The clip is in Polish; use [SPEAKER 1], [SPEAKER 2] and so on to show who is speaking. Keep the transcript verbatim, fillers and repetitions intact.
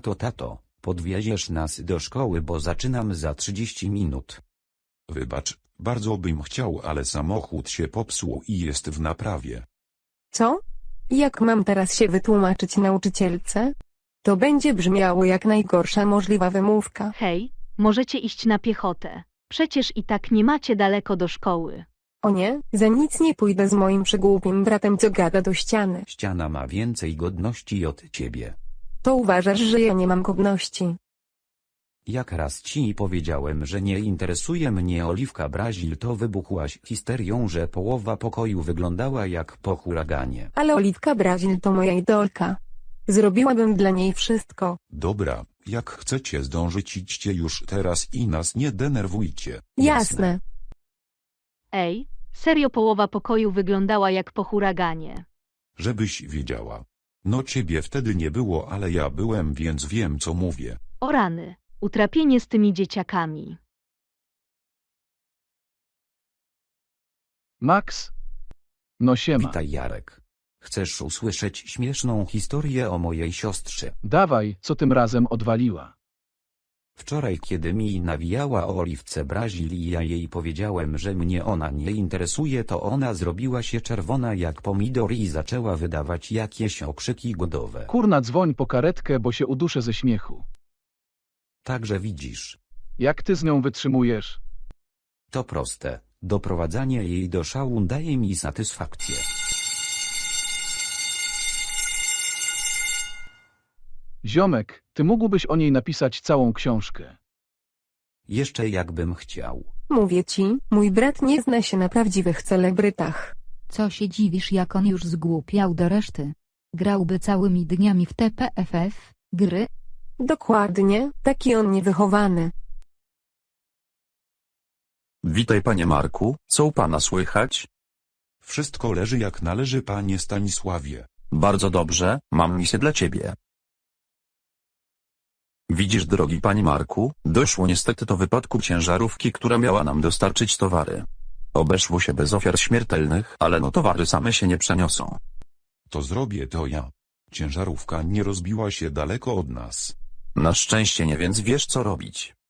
[SPEAKER 1] to tato, podwieziesz nas do szkoły, bo zaczynam za trzydzieści minut.
[SPEAKER 2] Wybacz, bardzo bym chciał, ale samochód się popsuł i jest w naprawie.
[SPEAKER 3] Co? Jak mam teraz się wytłumaczyć nauczycielce? To będzie brzmiało jak najgorsza możliwa wymówka.
[SPEAKER 4] Hej, możecie iść na piechotę. Przecież i tak nie macie daleko do szkoły.
[SPEAKER 3] O nie, za nic nie pójdę z moim przygłupim bratem, co gada do ściany.
[SPEAKER 1] Ściana ma więcej godności od ciebie.
[SPEAKER 3] To uważasz, że ja nie mam godności.
[SPEAKER 1] Jak raz ci powiedziałem, że nie interesuje mnie Oliwka Brazil, to wybuchłaś histerią, że połowa pokoju wyglądała jak po huraganie.
[SPEAKER 3] Ale Oliwka Brazil to moja idolka. Zrobiłabym dla niej wszystko.
[SPEAKER 2] Dobra, jak chcecie zdążyć, idźcie już teraz i nas nie denerwujcie.
[SPEAKER 3] Jasne.
[SPEAKER 4] Ej, serio połowa pokoju wyglądała jak po huraganie.
[SPEAKER 2] Żebyś wiedziała. No ciebie wtedy nie było, ale ja byłem, więc wiem, co mówię.
[SPEAKER 4] O rany, utrapienie z tymi dzieciakami.
[SPEAKER 5] Max? No siema.
[SPEAKER 1] Witaj, Jarek. Chcesz usłyszeć śmieszną historię o mojej siostrze?
[SPEAKER 5] Dawaj, co tym razem odwaliła?
[SPEAKER 1] Wczoraj, kiedy mi nawijała o Oliwce Brazil i ja jej powiedziałem, że mnie ona nie interesuje, to ona zrobiła się czerwona jak pomidor i zaczęła wydawać jakieś okrzyki głodowe.
[SPEAKER 5] Kurna, dzwoń po karetkę, bo się uduszę ze śmiechu.
[SPEAKER 1] Także widzisz,
[SPEAKER 5] Jak ty z nią wytrzymujesz?
[SPEAKER 1] to proste. Doprowadzanie jej do szału daje mi satysfakcję.
[SPEAKER 5] Ziomek, ty mógłbyś o niej napisać całą książkę.
[SPEAKER 1] Jeszcze jakbym chciał.
[SPEAKER 3] Mówię ci, mój brat nie zna się na prawdziwych celebrytach.
[SPEAKER 6] Co się dziwisz, jak on już zgłupiał do reszty? Grałby całymi dniami w T P F F, gry?
[SPEAKER 3] Dokładnie, taki on niewychowany.
[SPEAKER 7] Witaj, panie Marku, co u pana słychać?
[SPEAKER 2] Wszystko leży jak należy, panie Stanisławie.
[SPEAKER 7] Bardzo dobrze, mam misję dla ciebie. Widzisz, drogi panie Marku, doszło niestety do wypadku ciężarówki, która miała nam dostarczyć towary. Obeszło się bez ofiar śmiertelnych, ale no towary same się nie przeniosą.
[SPEAKER 2] To zrobię to ja. Ciężarówka nie rozbiła się daleko od nas.
[SPEAKER 7] Na szczęście nie, więc wiesz co robić.